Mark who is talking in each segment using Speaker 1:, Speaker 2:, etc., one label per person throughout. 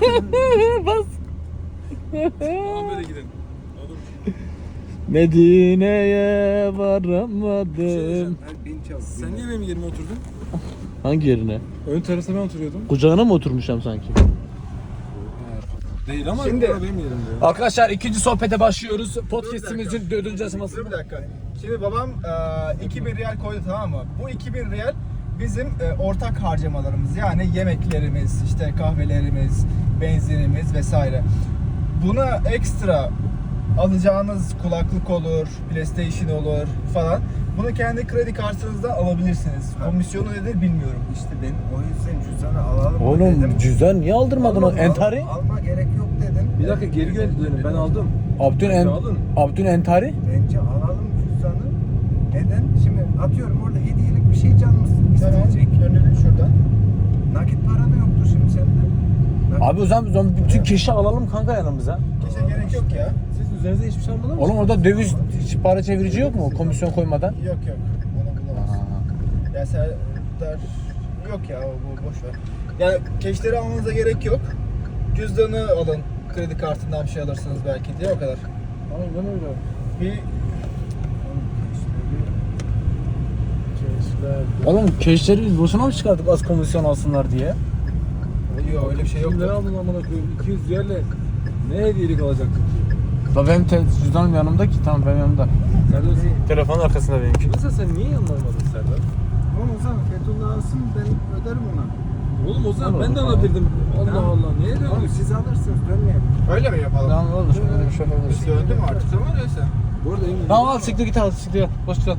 Speaker 1: Bas.
Speaker 2: Tamam böyle gidin. Olur.
Speaker 1: Medine'ye
Speaker 2: Şey
Speaker 1: varamadım.
Speaker 2: diyeceğim, Sen niye benim yerime oturdun?
Speaker 1: Hangi yerine?
Speaker 2: Ön terasa ben oturuyordum.
Speaker 1: Kucağına mı oturmuşum sanki?
Speaker 2: Değil ama
Speaker 3: Şimdi-
Speaker 2: burada benim yerimde.
Speaker 1: Arkadaşlar ikinci sohbete başlıyoruz. Podcast'imizin 4. aşaması.
Speaker 3: Dur bir dakika. Şimdi babam 2000 riyal koydu, tamam mı? Bu 2000 riyal bizim ortak harcamalarımız. Yani yemeklerimiz, işte kahvelerimiz, benzinimiz vesaire. Buna ekstra alacağınız kulaklık olur, PlayStation olur falan. Bunu kendi kredi kartınızdan alabilirsiniz. Komisyonu nedir bilmiyorum.
Speaker 4: İşte ben o yüzden cüzdanı alalım
Speaker 1: Oğlum
Speaker 4: dedim.
Speaker 1: cüzdan niye aldırmadın o? Entari?
Speaker 4: Alma gerek yok dedim.
Speaker 2: Bir dakika geri dönün, ben aldım.
Speaker 1: Abdün Abdün Entari?
Speaker 4: Bence alalım cüzdanı. Neden? Şimdi atıyorum orada hediyelik bir şey canımız
Speaker 3: Tamam,
Speaker 4: isteyecek.
Speaker 3: gönderelim şuradan.
Speaker 4: Nakit para da yoktur şimdi sende.
Speaker 1: Abi o zaman bütün keşi alalım kanka yanımıza.
Speaker 3: Keşke gerek yok ya.
Speaker 2: Siz üzerinize hiçbir şey almadınız mı?
Speaker 1: Oğlum orada döviz para çevirici yok mu? Komisyon koymadan.
Speaker 3: Yok. Onu bulamazsın. Ya Serdar yok ya, bu boş ver. Yani keşleri almanıza gerek yok. Cüzdanı alın. Kredi kartından bir şey alırsınız belki diye, o kadar.
Speaker 2: Aynen öyle.
Speaker 3: Bir
Speaker 1: Oğlum keşleri biz boşuna mı çıkardık az komisyon alsınlar diye?
Speaker 3: yok, öyle bir şey yok.
Speaker 2: Kimleri aldın amına koyayım? 200 riyalle ne hediyelik alacaktık ki?
Speaker 1: Da benim cüzdanım yanımda ki, tamam benim yanımda.
Speaker 2: Serdar sen...
Speaker 1: Telefonun arkasında benimki.
Speaker 2: Mesela sen niye yanına almadın Serdar?
Speaker 4: Oğlum o zaman Fethullah alsın, ben öderim ona.
Speaker 2: Oğlum o zaman ben de alabilirdim. Allah
Speaker 4: Tamam.
Speaker 2: Allah, niye
Speaker 4: Oğlum
Speaker 2: döndük?
Speaker 4: siz alırsınız, dönmeyelim.
Speaker 3: Öyle mi yapalım?
Speaker 1: Tamam olur, öyle bir şey yapabiliriz.
Speaker 3: Biz döndü mü artık? Tamam öyleyse.
Speaker 2: Bu arada emin
Speaker 1: Tamam al siktir git, al siktir git. Boş kal.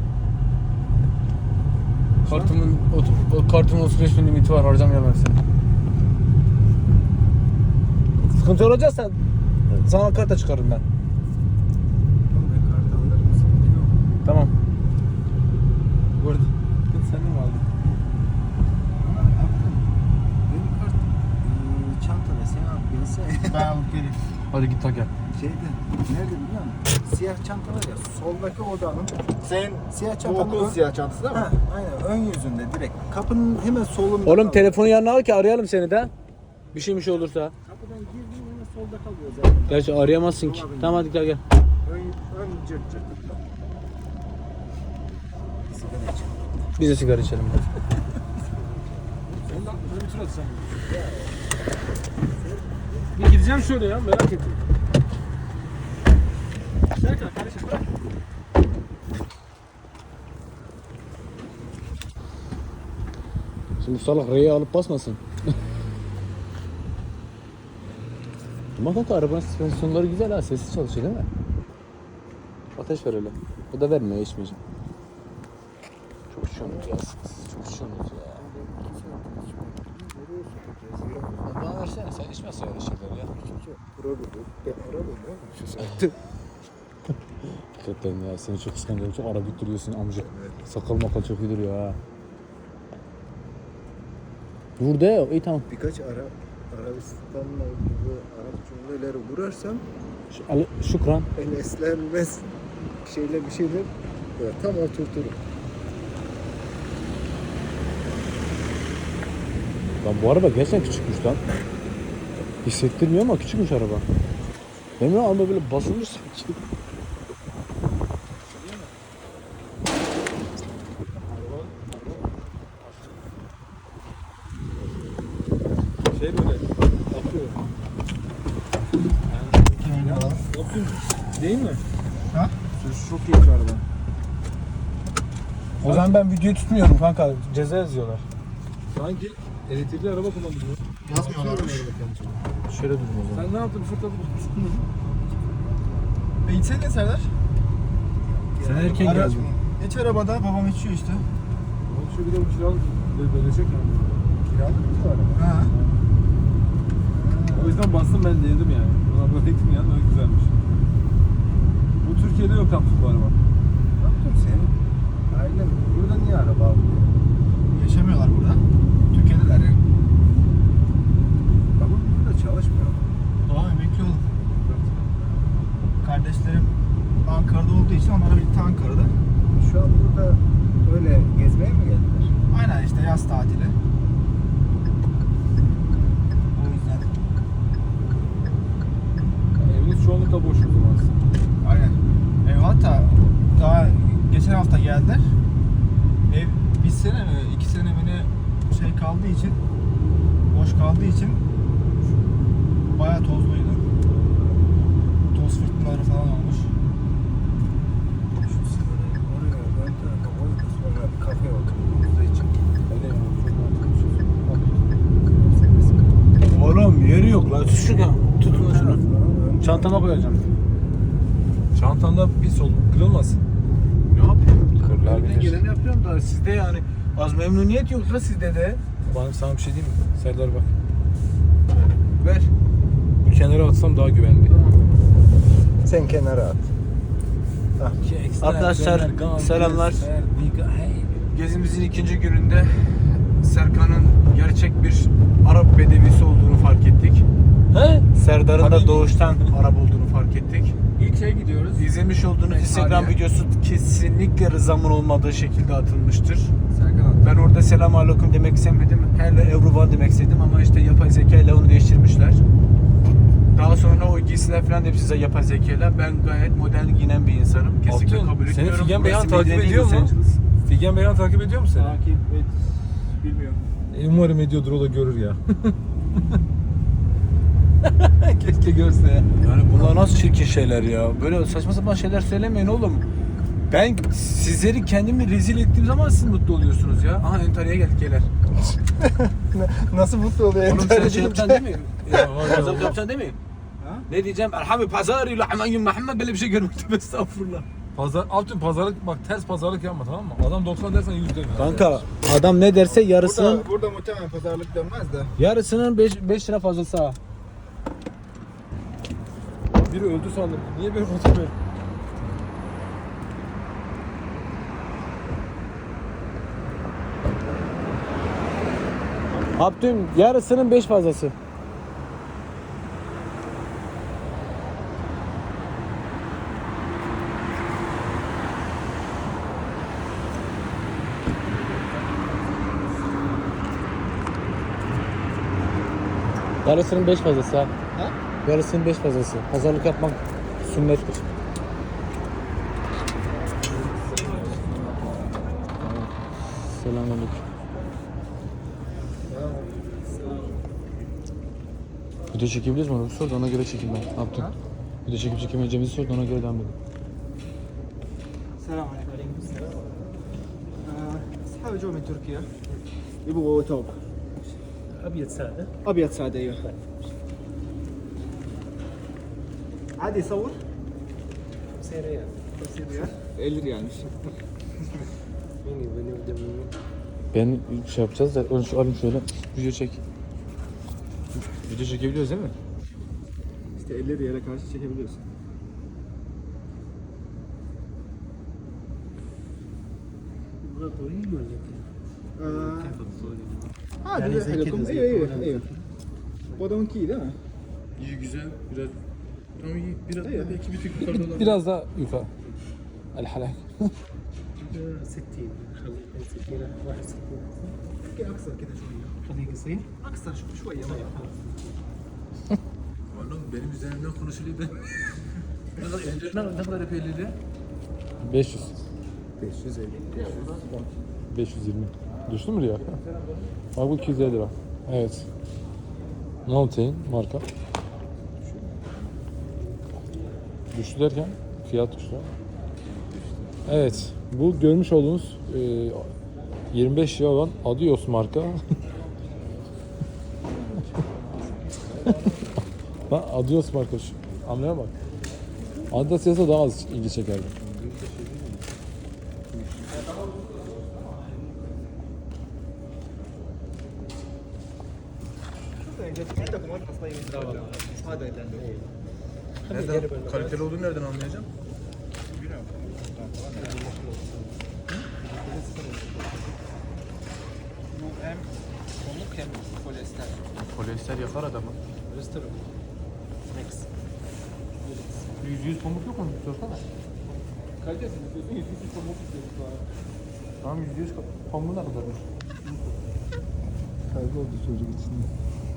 Speaker 1: Kartımın 35 bin limiti var, harcamayalım seni. Sıkıntı olacaksa sana karta çıkarırım ben.
Speaker 4: Oğlum ben kartı alır mısın? Yok.
Speaker 1: Tamam.
Speaker 2: Bu arada sen de mi aldın?
Speaker 4: Ama yaptım. Benim kart çantada sen al gelse.
Speaker 3: Ben alıp geleyim.
Speaker 1: Hadi git tak gel.
Speaker 4: Şeyde, nerede biliyor musun? Siyah çanta var ya, soldaki odanın
Speaker 3: Senin
Speaker 4: siyah
Speaker 3: bu
Speaker 4: çantanın
Speaker 3: okul siyah çantası değil mi?
Speaker 4: Ha, aynen ön yüzünde direkt. Kapının hemen solunda.
Speaker 1: Oğlum
Speaker 4: kalıyor.
Speaker 1: telefonu yanına al ki arayalım seni de. Bir şey olursa.
Speaker 4: Kapıdan girdiğin hemen solda kalıyor zaten.
Speaker 1: Gerçi arayamazsın ki. Tamam hadi gel gel.
Speaker 4: Ön cırt cırt. Sigara içelim.
Speaker 1: Biz de sigara içelim.
Speaker 2: Sen de aklına bir tur atsan. Bir gideceğim şöyle ya, merak ettim. Serkan kardeşim bırak.
Speaker 1: Şimdi salak R'yi alıp basmasın. Ama kanka arabanın süspansiyonları güzel ha, sessiz çalışıyor değil mi? Ateş ver öyle. Bu da vermiyor, içmeyeceğim. Çok içiyorsunuz ya siz, çok içiyorsunuz ya. Bana versene, sen içmezsin öyle şeyler ya. Hakikaten ya, seni çok kıskanıyorum, çok ara duruyorsun amcık. Sakal makal çok iyi duruyor ha. Dur de, iyi tamam.
Speaker 4: Birkaç Arabistan'la gibi Arap cümleleri kurarsam
Speaker 1: Şükran.
Speaker 4: el eslenmez bir şeyler ya, tam oturturum.
Speaker 1: Lan bu araba gerçekten küçükmüş lan. Hissettirmiyor ama küçükmüş araba. Benim araba böyle basılmış sanki.
Speaker 2: Şey böyle akıyor. Yani, Optun değil mi?
Speaker 3: Ha?
Speaker 2: Sürüş çok iyi bir araba.
Speaker 1: O zaman ben videoyu tutmuyorum kanka. Ceza yazıyorlar.
Speaker 2: Sanki elektrikli araba kullanıyor.
Speaker 3: Yazmıyorlarmış.
Speaker 1: Şöyle durun o zaman.
Speaker 2: Sen ne yaptın? Fırtladı mı?
Speaker 3: İçsene Serdar.
Speaker 1: Sen erken
Speaker 3: Ara-
Speaker 1: geldin.
Speaker 3: İç arabada, babam içiyor işte.
Speaker 2: Oğlum şu bir de bu kiralık bölecek yani.
Speaker 4: Kiralık mı bu araba?
Speaker 3: Ha.
Speaker 2: O yüzden bastım, ben denedim yani. Buna bıraktım yani, öyle güzelmiş. Bu Türkiye'de yok yaptık bu araba.
Speaker 4: Yaptım senin ailen burada niye araba alıyor?
Speaker 3: Yaşamıyorlar burada. Türkiye'deler ya.
Speaker 4: Babam burada çalışmıyor.
Speaker 3: Babam emekli oldu. Kardeşlerim Ankara'da olduğu için onlara birlikte Ankara'da.
Speaker 4: Şu an burada öyle gezmeye mi geldiler?
Speaker 3: Aynen işte yaz tatili. O yüzden. kaldığı için bayağı tozluydu. Toz fırtınaları falan olmuş.
Speaker 4: Şu sigarayı oraya ön tarafa koy da sonra bir kafe oturduğumuzda için.
Speaker 2: Öyle mi?
Speaker 1: Oğlum yeri yok lan. Tutun şunu. Çantama koyacağım.
Speaker 2: Çantanda pis oldu. Kırılmasın.
Speaker 1: Ne yapayım?
Speaker 2: Kırılabilir.
Speaker 1: Elimden geleni yapıyorum da sizde yani az memnuniyet yok da sizde de.
Speaker 2: Bana sana bir şey diyeyim mi? Serdar bak.
Speaker 1: Ver.
Speaker 2: Bu kenara atsam daha güvenli.
Speaker 4: Sen kenara at.
Speaker 1: Arkadaşlar, selamlar. Gezimizin ikinci gününde Serkan'ın gerçek bir Arap bedevisi olduğunu fark ettik.
Speaker 2: He?
Speaker 1: Serdar'ın da
Speaker 2: Tabii.
Speaker 1: doğuştan Arap olduğunu fark ettik.
Speaker 3: İlk şeye gidiyoruz.
Speaker 1: İzlemiş olduğunuz Instagram
Speaker 3: tarihe.
Speaker 1: videosu kesinlikle rızamın olmadığı şekilde atılmıştır.
Speaker 3: Serkan abi.
Speaker 1: Ben orada selamun aleyküm demek istemedim. Hele Evruba demek istedim ama işte yapay zeka ile onu değiştirmişler. Daha sonra o giysiler falan hepsi size yapay zeka ile. Ben gayet modern giyinen bir insanım. Kesinlikle
Speaker 2: Altun,
Speaker 1: kabul
Speaker 2: seni
Speaker 1: etmiyorum.
Speaker 2: Figen Beyhan
Speaker 1: Burası
Speaker 2: takip
Speaker 1: Medine
Speaker 2: ediyor
Speaker 1: değil,
Speaker 2: mu?
Speaker 1: Los Angeles.
Speaker 2: Figen Beyhan takip ediyor mu seni?
Speaker 3: Takip et. Bilmiyorum.
Speaker 2: Umarım ediyordur, o da görür ya. Keşke görse ya.
Speaker 1: Yani bunlar nasıl çirkin şeyler ya? Böyle saçma sapan şeyler söylemeyin oğlum. Ben sizleri kendimi rezil ettiğim zaman siz mutlu oluyorsunuz ya. Aha Entarya geldik gelir.
Speaker 4: Nasıl mutlu oluyor?
Speaker 1: Oğlum sen şey yapacaksın değil mi?
Speaker 2: Ya var ya.
Speaker 1: Pazarlık yapacaksın değil mi?
Speaker 3: Ha?
Speaker 1: Ne diyeceğim? Erhami pazarı lahman Muhammed böyle bir şey görmedim estağfurullah.
Speaker 2: Altın pazarlık, bak ters pazarlık yapma, tamam mı? Adam 90 dersen 100 deme.
Speaker 1: Kanka adam ne derse yarısının
Speaker 3: Burada muhtemelen pazarlık dönmez de.
Speaker 1: yarısının 5 lira fazlası ha.
Speaker 2: Biri öldü sandım. Niye böyle fotoğraf?
Speaker 1: Abdüm yarısının 5 fazlası. Yarısının 5 fazlası ha.
Speaker 3: Ha?
Speaker 1: Yarısının 5 fazlası. Pazarlık yapmak sünnettir. Selamünaleyküm. Video çekebiliriz mi onu? Sor da ona göre çekeyim ben. Ne yaptın? Video çekip çekemeyeceğimizi sor da ona göre devam edelim.
Speaker 3: السلام عليكم. أصحابي جو من تركيا يبغوا توب
Speaker 5: أبيض سادة
Speaker 3: أبيض سادة أيوه عادي يصور
Speaker 5: 50 ريال
Speaker 3: 50 ريال 50 ريالmiş.
Speaker 5: بيني وبيني ودمي
Speaker 1: Ben şey yapacağız da önce şu alayım şöyle video çek. Video çekebiliyoruz değil mi?
Speaker 3: İşte 50 riyale karşı çekebiliyorsun.
Speaker 5: يبغى طويل ولا كيف؟ كيف الطويل؟
Speaker 3: عادي
Speaker 5: يعني زي
Speaker 3: حلقكم.
Speaker 5: كده زي
Speaker 3: ايوه
Speaker 5: كده.
Speaker 3: ايوه ايوه. Bu adamınki iyi değil mi?
Speaker 1: İyi güzel biraz tam iyi biraz
Speaker 3: İyi.
Speaker 1: belki bir tık yukarıda olabilir.
Speaker 2: Biraz daha yukarı. El halak.
Speaker 5: 60 خلي 60 61
Speaker 3: اوكي اقصر كده شويه.
Speaker 5: خليه قصير
Speaker 3: اقصر شويه ما
Speaker 1: Oğlum benim üzerimden konuşuluyor ben. ne kadar epeyli 500.
Speaker 4: 550.
Speaker 2: 520. Düştü mü ya? Bak bu 250 lira. Evet. Mountain marka. Düştü derken fiyat düştü. Evet. Bu görmüş olduğunuz 25 lira olan Adios marka. Lan Adios marka şu. Anlaya bak. Adidas yazsa daha az ilgi çekerdi.
Speaker 3: عندكم ارخص طيب هذا اللي عندكم.
Speaker 1: Kaliteli olduğunu nereden anlayacağım?
Speaker 3: Bu hem pamuk hem polyester.
Speaker 1: Polyester yakar adamı.
Speaker 5: ريستر ميكس
Speaker 1: %100 pamuk yok mu? Sorsana.
Speaker 3: Kalitesini istiyorsun, yüzsüz pamuk istiyorsun.
Speaker 1: Tamam %100 pamuğu ne kadarmış?
Speaker 4: Kayboldu çocuk içinde.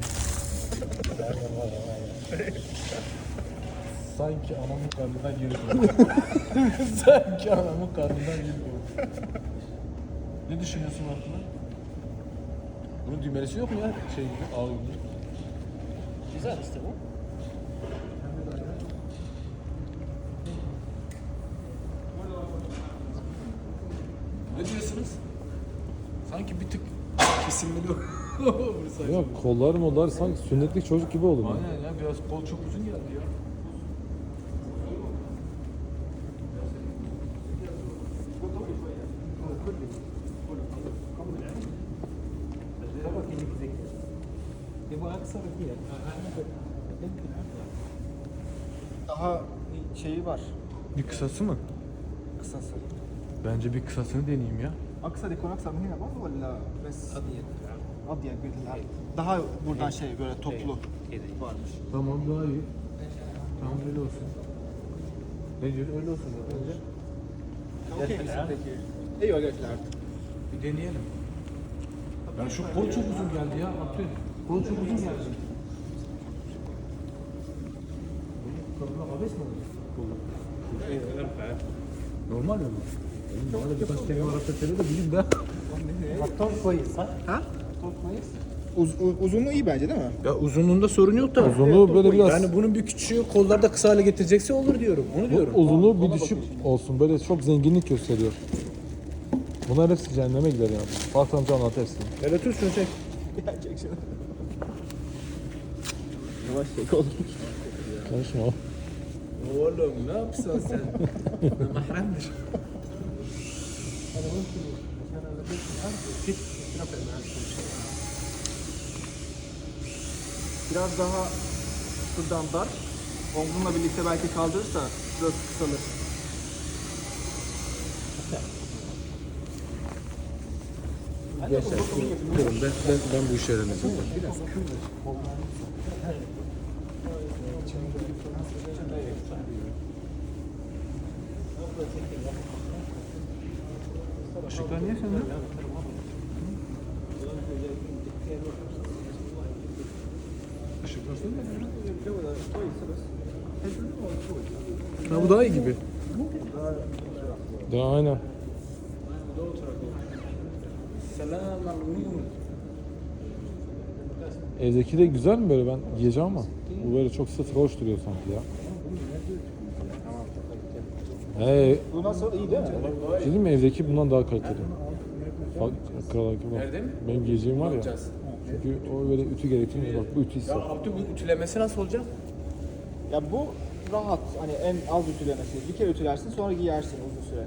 Speaker 1: Sanki anamın karnından yürüdüm. Sanki anamın karnından yürüdüm. Ne düşünüyorsun hakkında? Bunun düğmelesi yok mu ya? Şey gibi, ağ gibi.
Speaker 5: Güzel işte bu.
Speaker 1: Ne diyorsunuz? Sanki bir tık kesilmeli o.
Speaker 2: Ya kollar mollar sanki sünnetlik çocuk gibi oldu.
Speaker 1: Aynen ya, biraz kol çok uzun geldi ya.
Speaker 5: يبغى اكثر فيها
Speaker 3: Daha şeyi var.
Speaker 2: Bir kısası mı?
Speaker 3: Kısası.
Speaker 2: Bence bir kısasını deneyeyim ya.
Speaker 3: Aksar ikon aksar mı hina var valla bes
Speaker 5: ابيض
Speaker 3: adya bildiler. Daha buradan şey böyle toplu
Speaker 5: كذا
Speaker 3: varmış.
Speaker 2: Tamam daha iyi. Tamam öyle olsun. Ne diyorsun? Öyle olsun bence.
Speaker 3: Okey misin peki? İyi öğretler.
Speaker 1: Bir deneyelim. Yani şu kol çok uzun geldi ya. Abdül. Kol çok uzun geldi. Koluna abes mi olur? Normal mi bu? Benim bana birkaç kelime Arapça söyle de bileyim de.
Speaker 5: الطول كويس صح؟
Speaker 3: Ha?
Speaker 5: الطول كويس؟
Speaker 3: Uzunluğu iyi bence değil mi?
Speaker 1: Ya uzunluğunda sorun yok da.
Speaker 2: Uzunluğu böyle biraz...
Speaker 1: Yani bunun bir küçüğü kollarda kısa hale getirecekse olur diyorum. Onu diyorum.
Speaker 2: Uzunluğu bir düşük olsun. Böyle çok zenginlik gösteriyor. Bunlar hepsi cehenneme gider yani. Fatih amca anlat hepsini.
Speaker 1: Hele tut şunu çek.
Speaker 3: Gelecek şimdi. Yavaş çek oğlum.
Speaker 2: Konuşma.
Speaker 1: Oğlum ne yapsan sen? Mahremdir.
Speaker 5: انا ممكن عشان انا بيت الارض كيف ترفع معك كل شيء
Speaker 3: Biraz daha şuradan dar. Omzumla birlikte belki kaldırırsa biraz kısalır.
Speaker 1: Diyorum ben bu işe öğreneceğim. Işıklar niye söndü? Işıklar söndü mü? Ha bu daha iyi gibi.
Speaker 2: Ya aynen.
Speaker 1: Selam aleyküm.
Speaker 2: Evdeki de güzel mi böyle, ben giyeceğim ama bu böyle çok sıfır hoş duruyor sanki ya.
Speaker 3: Bu nasıl? İyi değil mi?
Speaker 2: Dedim mi, evdeki bundan daha kaliteli. Bak kral gibi.
Speaker 1: Nerede mi?
Speaker 2: Benim giyeceğim var ya.
Speaker 1: Yapacağız.
Speaker 2: Çünkü o böyle ütü gerektiğinde bak bu ütü
Speaker 1: Ya
Speaker 2: hisset.
Speaker 1: Abdü bu ütülemesi nasıl olacak?
Speaker 3: Ya bu rahat. Hani en az ütülemesi. Bir kere ütülersin sonra giyersin uzun süre.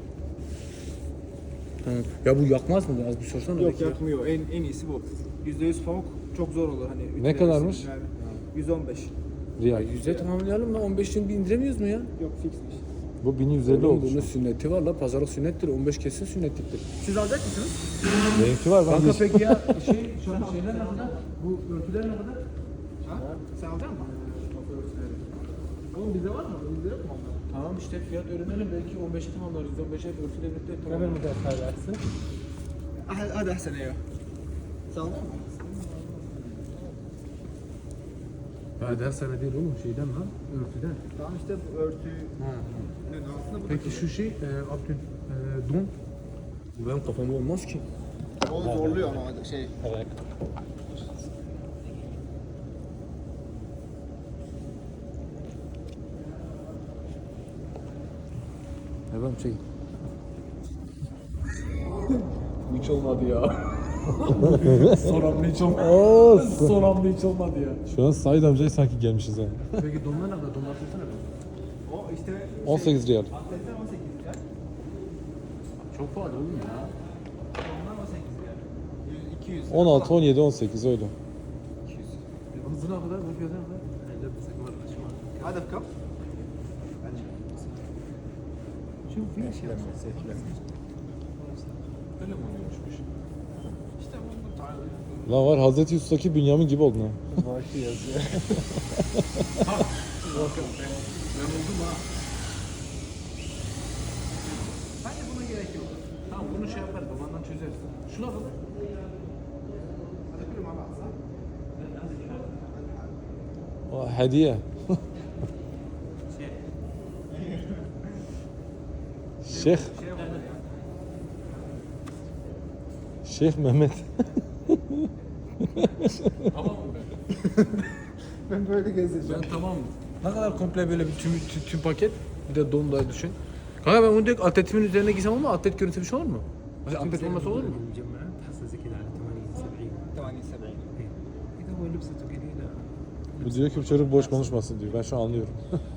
Speaker 1: Ya bu yakmaz mı? Az bir sorsana.
Speaker 3: Yok
Speaker 1: belki ya.
Speaker 3: yakmıyor. En iyisi bu. %100 pamuk çok zor olur hani. ütülemesi.
Speaker 2: kadarmış?
Speaker 3: Yani 115.
Speaker 2: Riyal.
Speaker 1: Yüzde tamamlayalım da 15 gün bir indiremiyoruz mu ya?
Speaker 3: Yok fixmiş.
Speaker 2: Bu 1150
Speaker 1: Oğlum
Speaker 2: oldu.
Speaker 1: bunun sünneti var la. Pazarlık sünnettir. 15 kesin sünnetliktir.
Speaker 3: Siz alacak mısınız?
Speaker 2: Benimki var, ben
Speaker 1: Kanka
Speaker 2: giyeceğim.
Speaker 1: peki ya şeyler ne kadar? Bu örtüler ne kadar?
Speaker 3: Ha? Sen alacak mısın? Oğlum bizde var mı? Bizde yok mu onlar?
Speaker 1: Tamam işte fiyat öğrenelim. Belki 15'e tamamlarız. 15'e örtüyle birlikte
Speaker 5: قبل
Speaker 1: tamamlarız.
Speaker 5: ما تدخل احسن
Speaker 3: Hadi ahsen ya. Sen aldın mı?
Speaker 1: Ya ders sene değil oğlum şeyden lan. Örtüden.
Speaker 3: Tamam işte bu örtüyü aslında bu
Speaker 1: Peki şu şey Abdül don. Bu benim kafamda olmaz ki.
Speaker 3: o zorluyor ama şey.
Speaker 5: Evet.
Speaker 2: Efendim çekin.
Speaker 1: Bu hiç olmadı ya. Son hamle hiç olmadı.
Speaker 2: Olsun.
Speaker 1: Son hamle hiç olmadı ya.
Speaker 2: Şu an Said amcaya sanki gelmişiz yani.
Speaker 1: Peki donlar ne kadar? Donlar tutsana be.
Speaker 3: O işte
Speaker 2: 18 riyal.
Speaker 3: atletten 18 lira.
Speaker 1: Çok pahalı oğlum ya.
Speaker 3: Onlar 18 lira. 200.
Speaker 2: 16, 17, 18 öyle.
Speaker 1: Bu ne kadar? Bu fiyatı ne kadar?
Speaker 3: Hadi kap.
Speaker 1: Şu bir şey Öyle mi oluyormuş?
Speaker 3: İşte bu tarz.
Speaker 2: Lan var Hazreti Yusuf'taki Bünyamin gibi oldun ha.
Speaker 3: Vaki yazıyor.
Speaker 1: Ben oldum ha. Bence buna gerek yok. Tamam bunu şey yaparız. Babandan çözeriz. Şuna bak.
Speaker 3: Hadi kurum abi alsan.
Speaker 2: O hediye. Şeyh. Şeyh Mehmet.
Speaker 1: Tamam mı ben?
Speaker 3: Ben böyle gezeceğim.
Speaker 1: Ben tamam mı? Ne kadar komple böyle bir tüm paket. Bir de don da düşün. Kanka ben onu direkt atletimin üzerine giysem ama atlet görüntü bir şey olur mu? Mesela atlet olmasa olur mu?
Speaker 5: المجمعات تحصل زي كذا على 80 70
Speaker 3: 80.
Speaker 5: إيه. اذا هو لبسته قليله
Speaker 2: Bu diyor ki bu çocuk boş konuşmasın diyor. Ben şu an anlıyorum.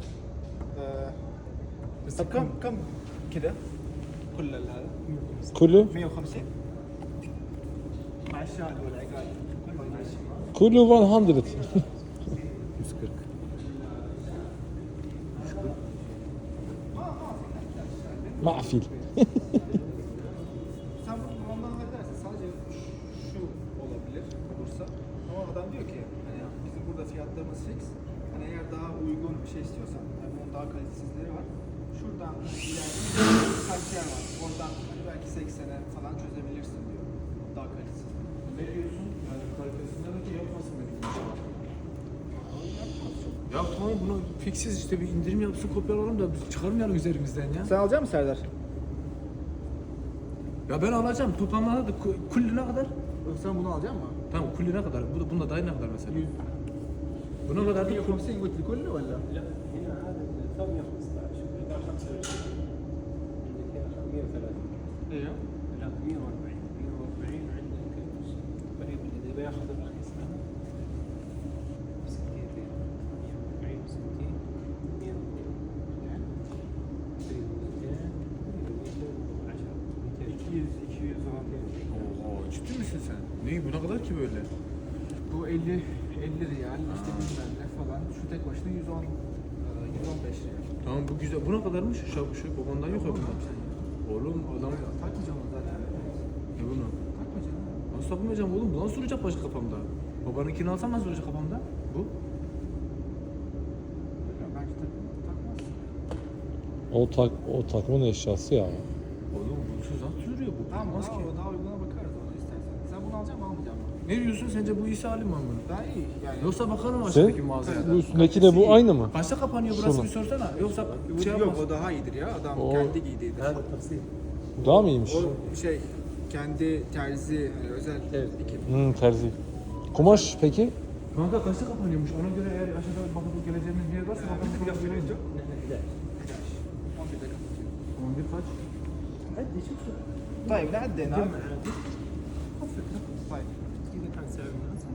Speaker 3: طب كم كذا كل هذا
Speaker 2: Kulu,
Speaker 3: 150 مع الشال والعقال كله ماشي
Speaker 2: kulu 100.
Speaker 1: 140.
Speaker 2: Mafil.
Speaker 3: Sen bunu ondan halledersin. Sadece şu olabilir olursa. Ama adam diyor ki hani bizim burada fiyatlarımız fix. Hani eğer daha uygun bir şey istiyorsan, yani bunun daha kalitesizleri var. Şuradan ileride birkaç yer var. Oradan hani belki 80'e falan çözebilirsin diyor. Daha kalitesiz.
Speaker 1: Ne diyorsun? Yani kalitesinden önce yapmasın benim için. Ya tamam bunu fiksiz işte bir indirim yapsın kopyalalım da biz çıkarmayalım üzerimizden ya.
Speaker 3: Sen alacak mısın Serdar?
Speaker 1: Ya ben alacağım. Toplamlarda da kulli ne kadar?
Speaker 3: Sen bunu alacak mısın?
Speaker 1: Tamam kulli ne kadar? Bunda dahil ne kadar mesela? Buna kadar da
Speaker 3: 150 قلت لي كله ولا؟
Speaker 5: لا هنا هذا الثوب 115 هنا 25 عندك هنا 130
Speaker 3: ايوه
Speaker 5: لا 140 140 عندك قريب اللي بياخذ الرخيص هذا 60 140 60
Speaker 1: Oo, ciddi misin sen? Ne bu ne kadar ki böyle?
Speaker 3: Bu 50 riyal işte bilmem ne falan. Şu tek başına 110 115 riyal.
Speaker 1: Tamam bu güzel. Bu ne kadarmış? Şu babandan yok ya bunda. Oğlum adam
Speaker 3: Takmayacağım onu zaten.
Speaker 1: ne bunu?
Speaker 3: Takma canım.
Speaker 1: Nasıl takmayacağım oğlum? Bu nasıl duracak başka kafamda? Babanınkini alsam nasıl duracak kafamda? Bu?
Speaker 3: Ya bence takmazsın.
Speaker 2: O takımın eşyası ya.
Speaker 1: Oğlum bunsuz nasıl duruyor bu?
Speaker 3: Tamam
Speaker 1: Olmaz
Speaker 3: daha,
Speaker 1: ki.
Speaker 3: daha uyguna bakarız ona istersen. Sen bunu alacak mısın almayacak mısın?
Speaker 1: Ne diyorsun? Sence bu iyisi halim mi bunu?
Speaker 3: Daha iyi yani.
Speaker 1: Yoksa bakalım
Speaker 2: Sen
Speaker 1: aşağıdaki mağazaya da.
Speaker 2: bu üstündeki de bu aynı mı?
Speaker 1: Kaçta kapanıyor burası
Speaker 2: Şunu.
Speaker 1: bir sorsana. Yoksa
Speaker 3: Bu
Speaker 1: şey
Speaker 3: yok
Speaker 1: yapmaz.
Speaker 3: o daha iyidir ya. Adam
Speaker 2: O-
Speaker 3: kendi giydiydi.
Speaker 5: هذا التفصيل
Speaker 2: Daha mı iyiymiş?
Speaker 3: O şey kendi terzi hani özel dikim.
Speaker 2: Terzi. Kumaş peki?
Speaker 1: Kanka kaçta kapanıyormuş? Ona göre eğer aşağıda bakıp geleceğimiz bir yer varsa bakalım.
Speaker 3: Biraz sürünce
Speaker 5: نحن 11
Speaker 3: 11'de kapatıyor.
Speaker 1: 11 kaç?
Speaker 5: عدي شوف شوف
Speaker 3: طيب نعدينا
Speaker 5: جمع عادي خفف
Speaker 3: طيب
Speaker 5: اذا كان سعر مناسب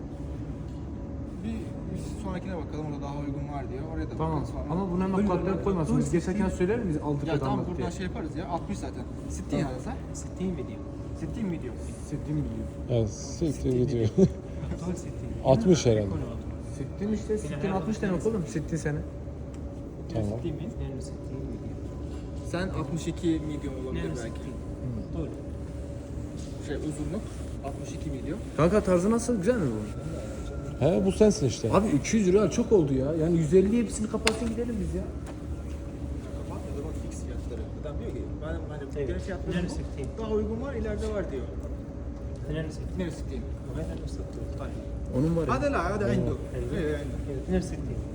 Speaker 3: bir sonrakine bakalım orada daha uygun var diye oraya da
Speaker 1: Tamam
Speaker 3: bakarız falan.
Speaker 1: ama buna hemen kalpler koymasın. Biz geçerken söyler miyiz aldık
Speaker 3: Ya tamam
Speaker 1: adamlık diye?
Speaker 3: buradan şey yaparız ya 60 zaten. 60 yani sen.
Speaker 5: 60 فيديو
Speaker 3: 60 video.
Speaker 1: Sittin milyon.
Speaker 2: Evet, siktir gidiyor.
Speaker 5: طول 60
Speaker 2: 60 herhalde.
Speaker 1: Sittin işte, sittin 60 demek oğlum. Sittin sene.
Speaker 2: Tamam.
Speaker 5: 62 فيديو
Speaker 3: Sen 62 medium olabilir
Speaker 5: 62
Speaker 3: belki.
Speaker 5: طول
Speaker 3: Şey uzunluk 62 medium.
Speaker 1: Kanka tarzı nasıl? Güzel mi bu?
Speaker 2: He bu sensin işte.
Speaker 1: Abi 200 lira çok oldu ya. Yani 150 hepsini kapatsın gidelim biz ya.
Speaker 3: Kapat ya zaman fix fiyatları. Adam diyor ki benim hani
Speaker 5: Evet.
Speaker 3: genel fiyatlarım
Speaker 5: 62
Speaker 3: bu. Daha uygun var ileride var diyor.
Speaker 5: 62
Speaker 3: Neresi diyeyim?
Speaker 5: وهذا نفس الطول طيب
Speaker 1: Onun var ya.
Speaker 3: Hadi la hadi عنده.
Speaker 5: أيوة. كذا 62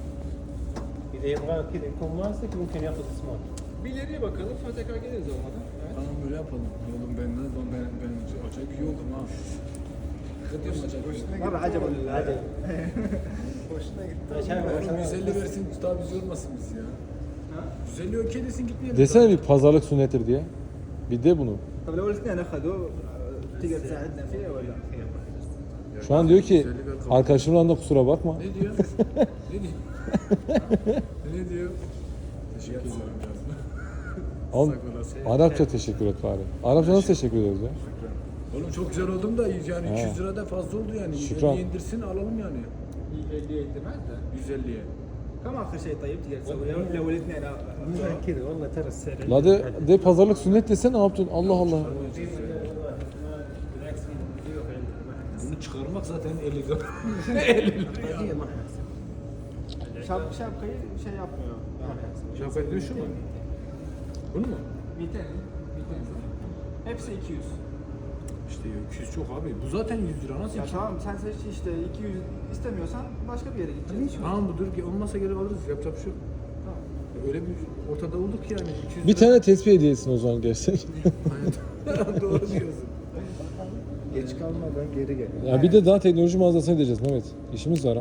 Speaker 5: اذا يبغى كذا يكون ماسك ممكن ياخذ سمارت
Speaker 3: Bir ileriye bakalım sonra tekrar geliriz olmadan. Evet.
Speaker 1: Tamam böyle yapalım. Oğlum ben acayip iyi oldum ha. Hakikaten acayip iyi oldum.
Speaker 3: Abi acaba
Speaker 5: عادي
Speaker 3: Hoşuna gitti.
Speaker 1: Oğlum 150 versin daha biz yormasın biz ya. 150 okey desin gitmeyelim.
Speaker 2: Desene bir pazarlık sünnettir diye. Bir de bunu.
Speaker 3: طب لو الاثنين اخذوا تقدر تساعدنا فيه ولا؟
Speaker 2: Şu an diyor ki arkadaşımın yanında kusura bakma.
Speaker 1: Ne diyor? Ne diyor? Ne diyor? Teşekkür ederim canım.
Speaker 2: Oğlum, Arapça teşekkür et bari. Arapça nasıl teşekkür ederiz ya?
Speaker 1: Oğlum çok güzel oldum da yani
Speaker 2: He.
Speaker 1: 200 lira da fazla oldu yani.
Speaker 2: Şükran.
Speaker 1: 50'ye indirsin alalım yani.
Speaker 3: 50 indirmez de.
Speaker 1: 150'ye.
Speaker 3: كم اخر شيء طيب تقدر تسويه لو الاثنين
Speaker 5: كذا والله ترى السعر
Speaker 2: La de pazarlık sünnet desen ne yaptın? Allah Allah.
Speaker 5: بالعكس في ضيوف عندنا ما حد
Speaker 1: Bunu çıkarmak zaten 50 lira.
Speaker 5: هذه ما حنحسب
Speaker 3: şapkayı şey yapmıyor.
Speaker 5: ما حنحسب
Speaker 1: Şafaklı şu mu? Bunu mu?
Speaker 3: 200. Hepsi 200.
Speaker 1: İşte 200 çok abi. Bu zaten 100 lira nasıl?
Speaker 3: Ya
Speaker 1: 200?
Speaker 3: tamam sen seç işte 200 istemiyorsan başka bir yere gideceğiz.
Speaker 1: Tamam bu dur olmasa geri alırız. Yapacak bir şey yok.
Speaker 3: Tamam.
Speaker 1: Öyle bir ortada olduk ki yani. 200
Speaker 2: Bir tane tespih hediye etsin o zaman gerçek.
Speaker 1: Aynen. Doğru diyorsun.
Speaker 4: Geç kalmadan geri gel.
Speaker 2: Ya bir de daha teknoloji mağazasına gideceğiz Mehmet. İşimiz var ha.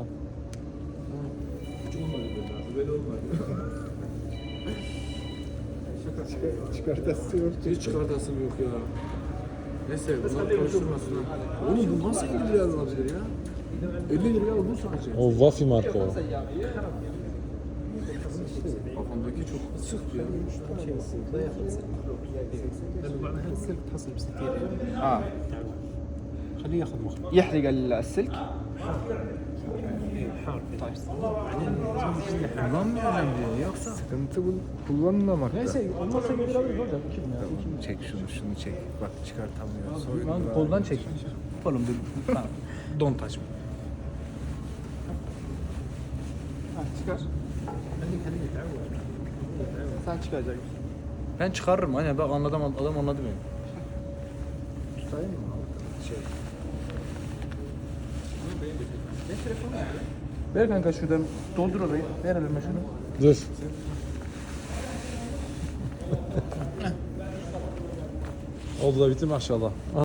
Speaker 4: Çıkartasın.
Speaker 1: Hiç çıkartasım yok ya. Neyse bunlar konuşturmasın. Oğlum bu nasıl 50 liraya alınabilir ya? 50 liraya al bu sadece.
Speaker 2: O Wafi marka o.
Speaker 1: Kafamdaki çok sık ya.
Speaker 5: بعدها السلك تحصل ب 60 ريال
Speaker 3: اه
Speaker 5: خليه ياخذ مخ
Speaker 3: يحرق السلك
Speaker 5: حار
Speaker 1: Kullanmayacağım diyor yoksa.
Speaker 4: Sıkıntı bu kullanmamakta.
Speaker 5: neyse olmazsa gelir alırız hocam.
Speaker 4: Çek şunu çek. Bak çıkartamıyor.
Speaker 1: Lan koldan çek. Oğlum dur. Don taş mı?
Speaker 3: çıkar. Sen çıkaracaksın.
Speaker 1: Ben çıkarırım hani bak anladım adam anladı beni.
Speaker 4: Tutayım mı? Şey.
Speaker 1: Ver kanka şuradan doldur orayı. Ver elime şunu.
Speaker 2: Dur. Oldu da bitti maşallah.